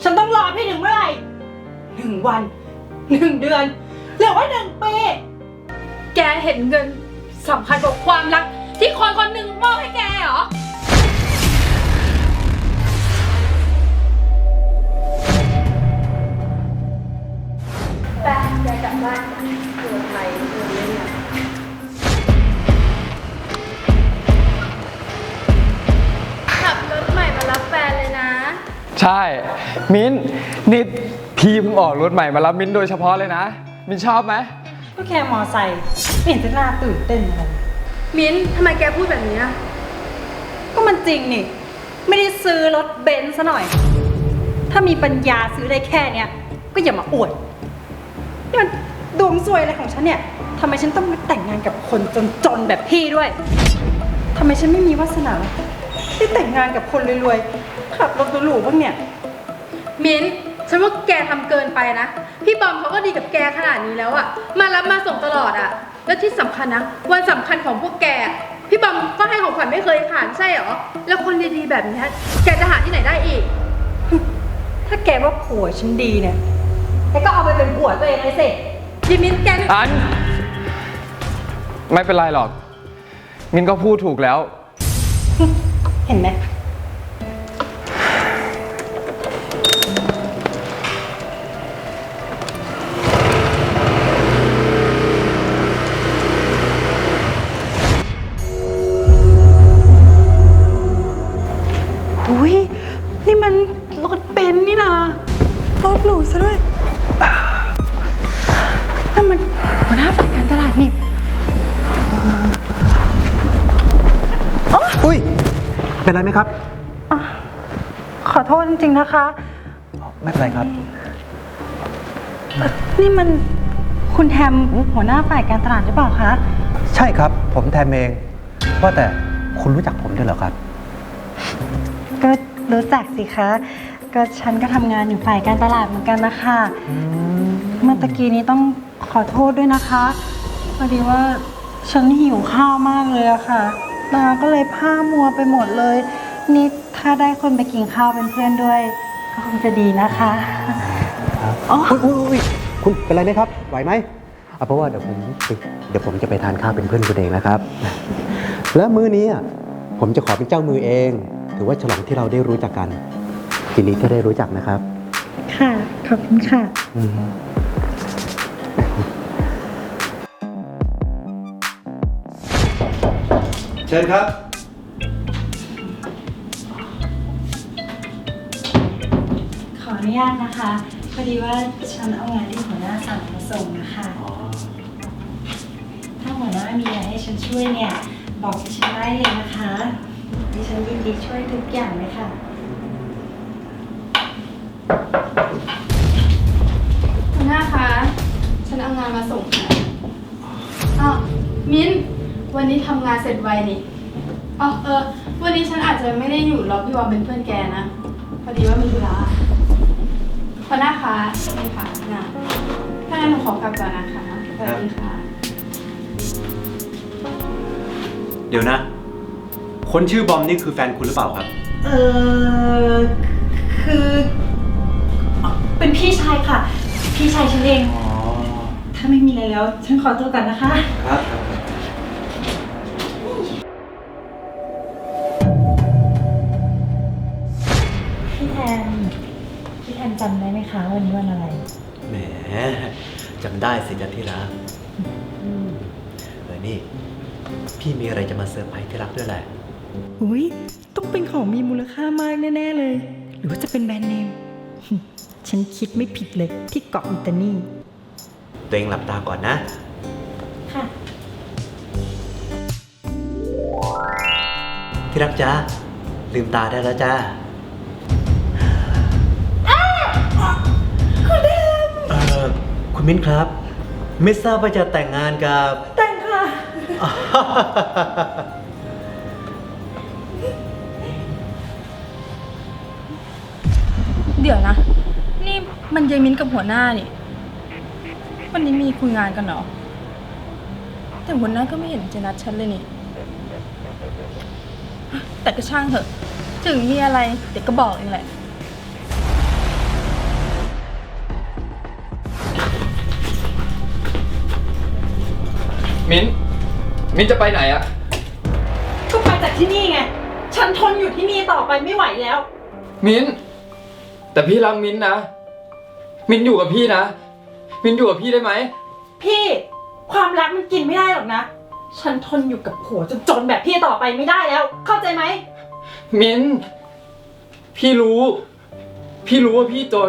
ฉันต้องรอพี่ถึงเมื่อไหร่1 วัน1 เดือนหรือว่า1 ปีแกเห็นเงินสำคัญกว่าความรักที่คนคนหนึ่งมอบให้แกเหรอแกกลับบ้านเกิดอะไรเกิดเล่นอะขับรถใหม่มารับแฟนเลยนะใช่มิ้นนี่พี่เพิ่งออกรถใหม่มารับมิ้นโดยเฉพาะเลยนะมิ้นชอบไหมก็แค่มอไซค์ไม่เห็นจะน่าตื่นเต้นอะไรมิ้นทำไมแกพูดแบบนี้อะก็มันจริงนี่ไม่ได้ซื้อรถเบนซ์ซะหน่อยถ้ามีปัญญาซื้อได้แค่เนี้ยก็อย่ามาอวดนี่มันดวงซวยอะไรของฉันเนี่ยทำไมฉันต้องมาแต่งงานกับคนจนๆแบบพี่ด้วยทำไมฉันไม่มีวาสนาที่แต่งงานกับคนรวยๆขับรถหรูๆบ้างเนี่ยมิ้นฉันว่าแกทำเกินไปนะพี่บอมเขาก็ดีกับแกขนาดนี้แล้วอะมารับมาส่งตลอดอะแล้วที่สำคัญนะวันสำคัญของพวกแกพี่บอมก็ให้ของขวัญไม่เคยขาดใช่หรอแล้วคนดีๆแบบนี้แกจะหาที่ไหนได้อีกถ้าแกว่าผัวฉันดีเนี่ยแกก็เอาไปเป็นผัวตัวเองเลยสิพี่มิ้นแกอันไม่เป็นไรหรอกมิ้นก็พูดถูกแล้วเห็นไหมอุ้ยนี่มันรถเบนซ์นี่นะรถหรูซะด้วยนั่นมันหัวหน้าฝ่ายการตลาดนี่อุ้ยเป็นไรไหมครับขอโทษจริงๆนะคะไม่เป็นไรครับนี่มันคุณแฮมหัวหน้าฝ่ายการตลาดหรือเปล่าคะใช่ครับผมแทมเองว่าแต่คุณรู้จักผมด้วยเหรอครับก็รู้จักสิคะก็ฉันก็ทำงานอยู่ฝ่ายการตลาดเหมือนกันนะคะเมื่อตะกี้นี้ต้องขอโทษด้วยนะคะพอดีว่าฉันหิวข้าวมากเลยอะค่ะตาก็เลยผ้ามัวไปหมดเลยนี่ถ้าได้คนไปกินข้าวเป็นเพื่อนด้วยก็คงจะดีนะคะอ๋ออุ้ยคุณเป็นไรไหมครับไหวไหมเพราะว่าเดี๋ยวผมจะไปทานข้าวเป็นเพื่อนคุณเองนะครับแล้วมื้อนี้ผมจะขอเป็นเจ้ามือเองถือว่าฉลองที่เราได้รู้จักกันทีนี้ก็ได้รู้จักนะครับค่ะขอบคุณค่ะเชิญครับขออนุญาตนะคะพอดีว่าฉันเอางานที่หัวหน้าสั่งมาส่งนะคะถ้าหัวหน้ามีอะไรให้ฉันช่วยเนี่ยบอกดิฉันได้เลยนะคะดิฉันยินดีช่วยทุกอย่างเลยค่ะหัวหน้าคะฉันเอางานมาส่งค่ะมิ้นวันนี้ทำงานเสร็จไวนี่วันนี้ฉันอาจจะไม่ได้อยู่รอพี่วอมเป็นเพื่อนแกนะพอดีว่ามีธุระหัวหน้าคะนี่ค่ะงานถ้างั้นหนูขอกลับก่อนนะคะสวัสดีค่ะเดี๋ยวนะคนชื่อบอมนี่คือแฟนคุณหรือเปล่าครับคือเป็นพี่ชายค่ะพี่ชายฉันเองถ้าไม่มีอะไรแล้วฉันขอตัวก่อนนะคะครับพี่แทนจำได้ไหมคะวันนี้วันอะไรแหมจำได้สิจันที่รักนี่พี่มีอะไรจะมาเซอร์ไพรส์ที่รักด้วยแหละอุ้ยต้องเป็นของมีมูลค่ามากแน่ๆเลยหรือว่าจะเป็นแบรนด์เนมฉันคิดไม่ผิดเลยที่เกาะอิตาลีตัวเองหลับตาก่อนนะค่ะที่รักจ้าลืมตาได้แล้วจ้าคุณมิ้นครับไม่ทราบว่าจะแต่งงานกับแต่งค่ะเดี๋ยวนะนี่มันยายมิ้นกับหัวหน้านี่วันนี้มีคุยงานกันเหรอแต่หัวหน้าก็ไม่เห็นจะนัดฉันเลยนี่แต่ก็ช่างเถอะถึงมีอะไรเดี๋ยวก็บอกเองแหละมิ้นจะไปไหนอะก็ไปจากที่นี่ไง ฉันทนอยู่ที่นี่ต่อไปไม่ไหวแล้วมิ้นแต่พี่รักมิ้นนะ มิ้นอยู่กับพี่นะ มิ้นอยู่กับพี่ได้ไหมพี่ ความรักมันกินไม่ได้หรอกนะ ฉันทนอยู่กับผัวจนแบบพี่ต่อไปไม่ได้แล้ว เข้าใจไหมมิ้นพี่รู้ว่าพี่จน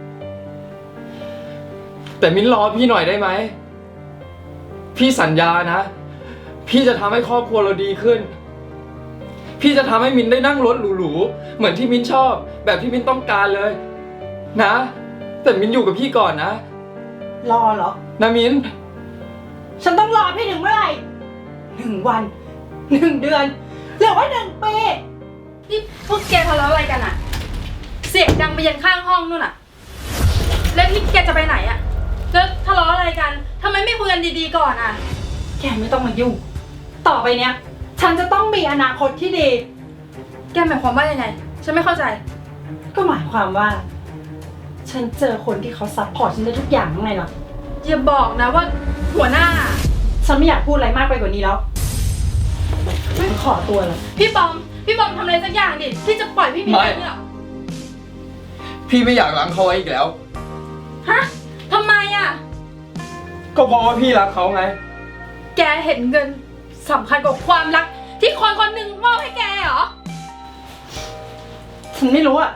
แต่มิ้นรอพี่หน่อยได้ไหม พี่สัญญานะ พี่จะทำให้ครอบครัวเราดีขึ้น พี่จะทำให้มิ้นได้นั่งรถหรูๆเหมือนที่มิ้นชอบ แบบที่มิ้นต้องการเลย นะ แต่มิ้นอยู่กับพี่ก่อนนะรอเหรอนะมิ้นฉันต้องรอพี่ถึงเมื่อไหร่1 วัน 1 เดือนหรือว่า1 ปีนี่พวกแกทะเลาะอะไรกันอะเสียงดังไปยันข้างห้องนู่นอะแล้วนี่แกจะไปไหนอะแล้วทะเลาะอะไรกันทำไมไม่คุยกันดีๆก่อนอะแกไม่ต้องมายุ่ง ต่อไปเนี้ย ฉันจะต้องมีอนาคตที่ดีแกหมายความว่ายังไง ฉันไม่เข้าใจก็หมายความว่า ฉันเจอคนที่เขาซัพพอร์ตฉันได้ทุกอย่างยังไงล่ะอย่าบอกนะว่าหัวหน้าฉันไม่อยากพูดอะไรมากไปกว่านี้แล้วไม่ขอตัวเลยพี่บอมทำอะไรสักอย่างดิที่จะปล่อยพี่มิ้นไปเนี่ยเหรอพี่ไม่อยากล้างเขาไว้อีกแล้วฮะทำไมอะก็เพราะว่าพี่รักเขาไงแกเห็นเงินสำคัญกว่าความรัก ที่คนคนหนึ่งมอบให้แกเหรอฉันไม่รู้อะ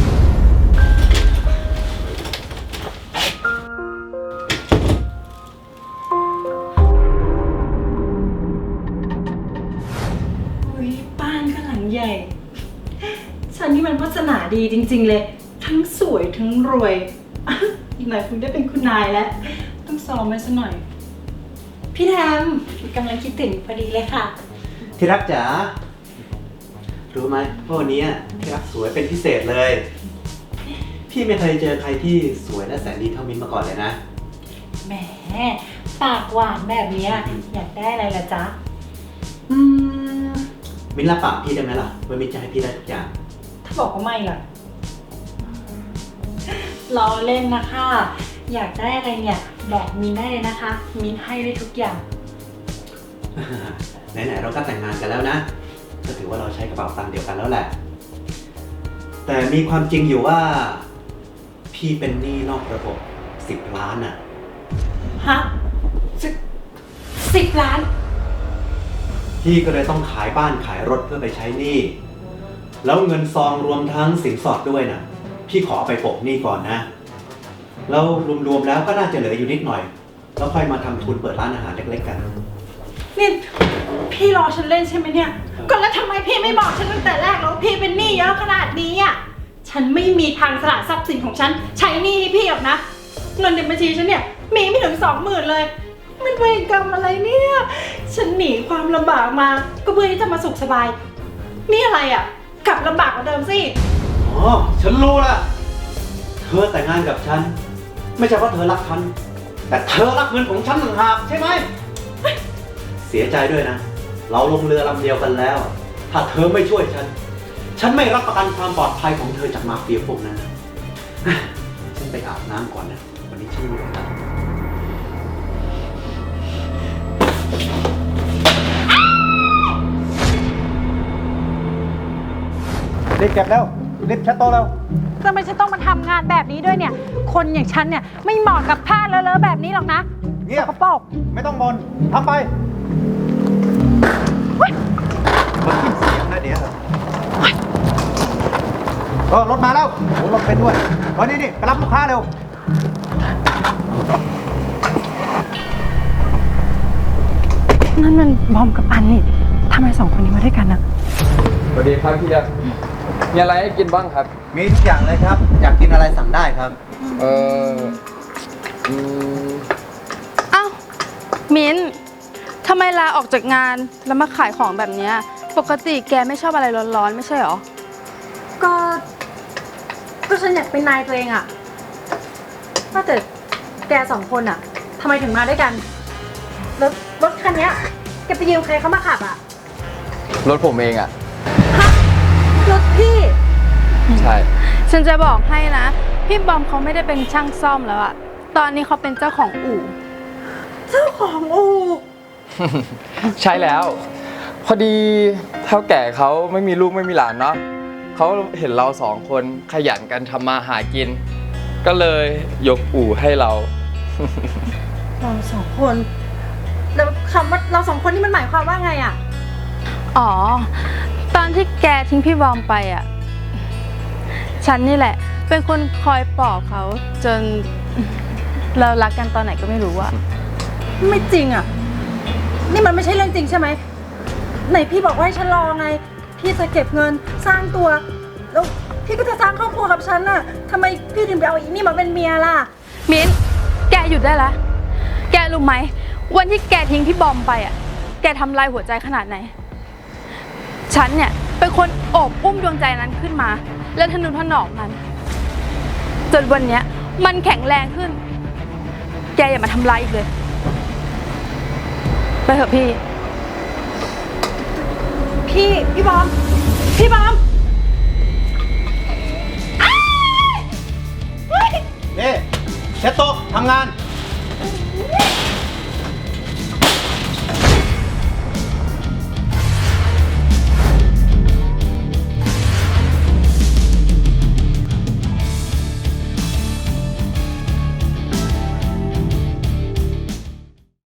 อุ๊ยบ้านก็หลังใหญ่ ฉันนี่มันวาสนาดีจริงๆเลย ทั้งสวยทั้งรวย อ่ะอีกหน่อยคงได้เป็นคุณนายแล้ว ต้องซ้อมไว้ซะหน่อย พี่แทมกำลังคิดถึงพอดีเลยค่ะที่รักจ๋า รู้ไหมว่าวันนี้ที่รักสวยเป็นพิเศษเลย พี่ไม่เคยเจอใครที่สวยและแสนดีเท่ามิ้นมาก่อนเลยนะแหมปากหวานแบบเนี้ยอยากได้อะไรล่ะจ๊ะอืมมิ้นรับปากพี่ได้ไหมล่ะว่ามิ้นจะให้พี่ได้ทุกอย่างถ้าบอกว่าไม่ล่ะล้อเล่นนะคะ อยากได้อะไรเนี่ย บอกมินได้เลยนะคะ มินให้ได้ทุกอย่างไหนๆเราก็แต่งงานกันแล้วนะ ก็ถือว่าเราใช้กระเป๋าตังค์เดียวกันแล้วแหละ แต่มีความจริงอยู่ว่า พี่เป็นหนี้นอกระบบ10 ล้านอ่ะฮะ10 ล้านพี่ก็เลยต้องขายบ้านขายรถเพื่อไปใช้หนี้ แล้วเงินซองรวมทั้งสินสอดด้วยนะพี่ขอเอาไปโปะหนี้ก่อนนะ แล้วรวมๆแล้วก็น่าจะเหลืออยู่นิดหน่อย แล้วค่อยมาทำทุนเปิดร้านอาหารเล็กๆกันนี่พี่รอฉันเล่นใช่ไหมเนี่ย ก็แล้วทำไมพี่ไม่บอกฉันตั้งแต่แรกแล้วว่าพี่เป็นหนี้เยอะขนาดนี้อ่ะ ฉันไม่มีทางสละทรัพย์สินของฉันใช้หนี้ให้พี่หรอกนะ เงินในบัญชีฉันเนี่ยมีไม่ถึง20,000เลย มันเวรกรรมอะไรเนี่ย ฉันหนีความลำบากมาก็เพื่อที่จะมาสุขสบาย นี่อะไรอ่ะ กลับลำบากกว่าเดิมสิอ๋อ ฉันรู้ละเธอแต่งงานกับฉัน ไม่ใช่เพราะเธอรักฉัน แต่เธอรักเงินของฉันต่างหากใช่ไหม เสียใจด้วยนะ เราลงเรือลำเดียวกันแล้ว ถ้าเธอไม่ช่วยฉัน ฉันไม่รับประกันความปลอดภัยของเธอจากมาเฟียพวกนั้นนะฉันไปอาบน้ำก่อนนะ วันนี้ฉันเหนื่อยแล้วรีบเก็บแล้วรีบเช็ดโต๊ะแล้วทำไมฉันต้องมาทำงานแบบนี้ด้วยเนี่ย คนอย่างฉันเนี่ยไม่เหมาะกับผ้าเลอะๆแบบนี้หรอกนะเงียบสกปรกไม่ต้องบนทำไปมันขึ้นเสียงนะเดี๋ยวรถมาแล้วโอ้รถเป็นด้วยนี่ไปรับลูกค้าเร็วนั่นมันบอมกับอันนี่ทำไม2 คนนี้มาด้วยกันนะสวัสดีครับพี่ยักษ์มีอะไรให้กินบ้างครับมีทุกอย่างเลยครับ อยากกินอะไรสั่งได้ครับเอออืมอ้าวมิ้นทำไมลาออกจากงานแล้วมาขายของแบบเนี้ยปกติแกไม่ชอบอะไรร้อนๆไม่ใช่หรอก็ฉันอยากเป็นนายตัวเองอะว่าแต่แก2 คนอะทำไมถึงมาด้วยกันแล้วรถคันเนี้ยแกไปยืมใครเขามาขับอะรถผมเองอ่ะฮะรถพี่ใช่ฉันจะบอกให้นะ พี่บอมเขาไม่ได้เป็นช่างซ่อมแล้วอะตอนนี้เขาเป็นเจ้าของอู่เจ้าของอู่ใช่แล้ว พอดีเท่าแก่เขาไม่มีลูกไม่มีหลานเนาะเขาเห็นเราสองคนขยันกันทำมาหากิน ก็เลยยกอู่ให้เราเราสองคนแล้วคำว่าเราสองคนนี่มันหมายความว่าไงอะอ๋อ ตอนที่แกทิ้งพี่บอมไปอ่ะ ฉันนี่แหละ เป็นคนคอยปลอบเขาจนเรารักกันตอนไหนก็ไม่รู้อะไม่จริงอะนี่มันไม่ใช่เรื่องจริงใช่ไหมไหนพี่บอกว่าให้ฉันรอไง พี่จะเก็บเงินสร้างตัว แล้วพี่ก็จะสร้างครอบครัวกับฉันน่ะทำไมพี่ถึงไปเอาอีนี่มาเป็นเมียล่ะมิ้น แกหยุดได้ละ แกรู้ไหม วันที่แกทิ้งพี่บอมไปอ่ะ แกทำลายหัวใจขนาดไหน ฉันเนี่ยเป็นคนโอบอุ้มดวงใจนั้นขึ้นมา แล้วทนุถนอมมัน จนวันเนี้ยมันแข็งแรงขึ้น แกอย่ามาทำร้ายอีกเลย ไปเถอะพี่พี่บอม พี่บอมนี่เช็ดโต๊ะทำงาน